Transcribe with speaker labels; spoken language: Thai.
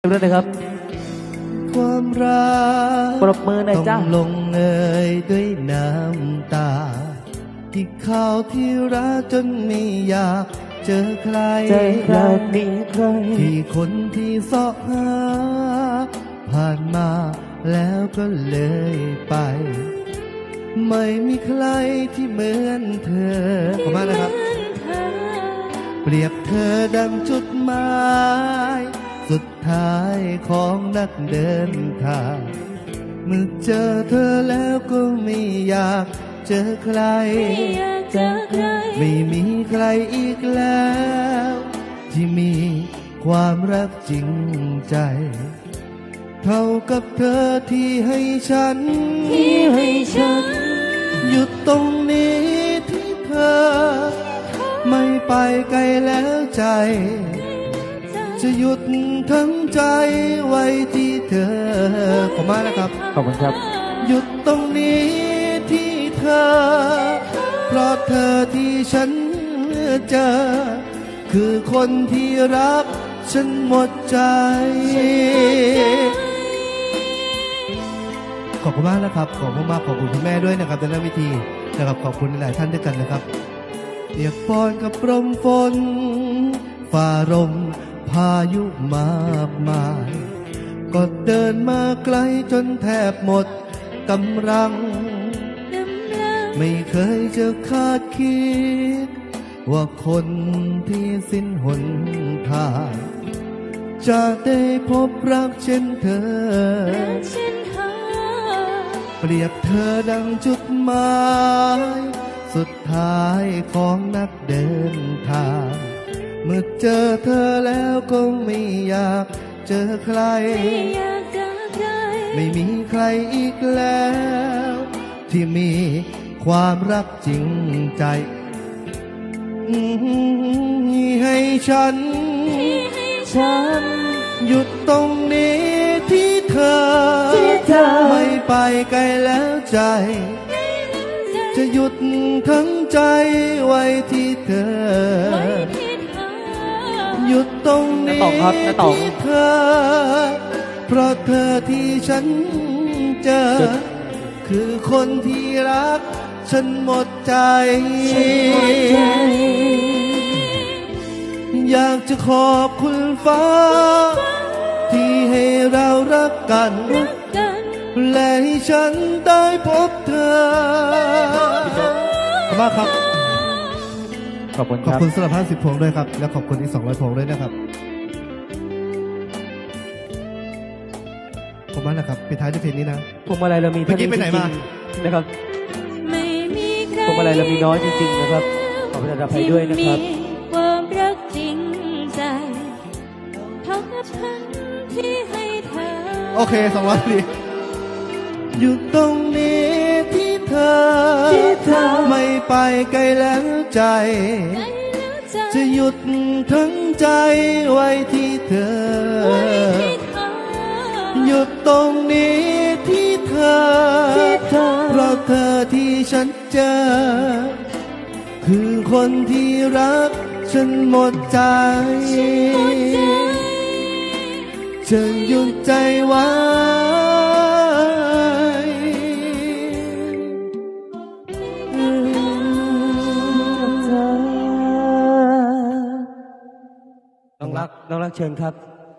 Speaker 1: ด้วยนะครับ
Speaker 2: ความรัก
Speaker 1: ปรบมือหน่อยจ้า
Speaker 2: ต้องลงเอยด้วยน้ำตาที่เขาที่รักจนไม่อยากเจอใคร
Speaker 1: มีใคร
Speaker 2: ที่คนที่เสาะหาผ่านมาแล้วก็เลยไปไม่มีใครที่เหมือนเธอขอบคุณมากนะครับเปรียบเธอดังจุดหมายสุดท้ายของนักเดินทางเมื่อเจอเธอแล้วก็ไม่อยากเจอใครไม่มีใครอีกแล้วที่มีความรักจริงใจเท่ากับเธอที่ให้ฉันหยุดตรงนี้ที่เธอไม่ไปไกลแล้วใจจะหยุดทั้งใจไว้ที่เธอขอบคุณมากนะครับ
Speaker 1: ขอบคุณครับ
Speaker 2: หยุดตรงนี้ที่เธอเพราะเธอที่ฉันเจอคือคนที่รักฉันหมดใจขอบคุณมากนะครับขอบคุณมากขอบคุณคุณแม่ด้วยนะครับในเรื่องวิธีนะครับขอบคุณหลายท่านด้วยกันนะครับเปียกปอนกับลมฝนฝ่าลมพายุมากมายก็เดินมาไกลจนแทบหมดกำลังไม่เคยจะคาดคิดว่าคนที่สิ้นหนทางจะได้พบรักเช่นเธอเปรียบเธอดังจุดหมายสุดท้ายของนักเดินทางเมื่อเจอเธอแล้วก็ไม่อยากเจอใครไม่มีใครอีกแล้วที่มีความรักจริงใจให้ฉันหยุดตรงนี้ที่เธอไม่ไปไกลแล้วใจจะหยุดทั้งใจไว้ที่เธอหยุดตรงนี้ที่เธอเพราะเธอที่ฉันเจอคือคนที่รักฉันหมดใจอยากจะขอบคุณฟ้าที่ให้เรารักกันและให้ฉันได้พบเธอขอบคุณมากครับ
Speaker 1: ขอบคุณ
Speaker 2: ขอบคุณสำหรับ50 พวงด้วยครับและขอบคุณอีก200 พวงด้วยนะครับขอบคุณมากนะครับปิดท้ายด้วยเพลงนี้นะ
Speaker 1: พวงมาลัยเรามีเท่านี้จริงๆนะครับพวงมาลัยเรามีน้อยจริงๆนะครับขอประทานอภัยด้วยนะครับ
Speaker 3: ความรักจริงใจเท่ากับฉันที่ให้เธอ
Speaker 2: โอเค200ดีอยู่ตรงนี้ที่เธอไม่ไปไกลแล้วใจจะหยุดทั้งใจไว้ที่เธอหยุดตรงนี้ที่เธอเพราะเธอที่ฉันเจอคือคนที่รักฉันหมดใจจะหยุดใจไว้
Speaker 1: น้องรักเชิญครับ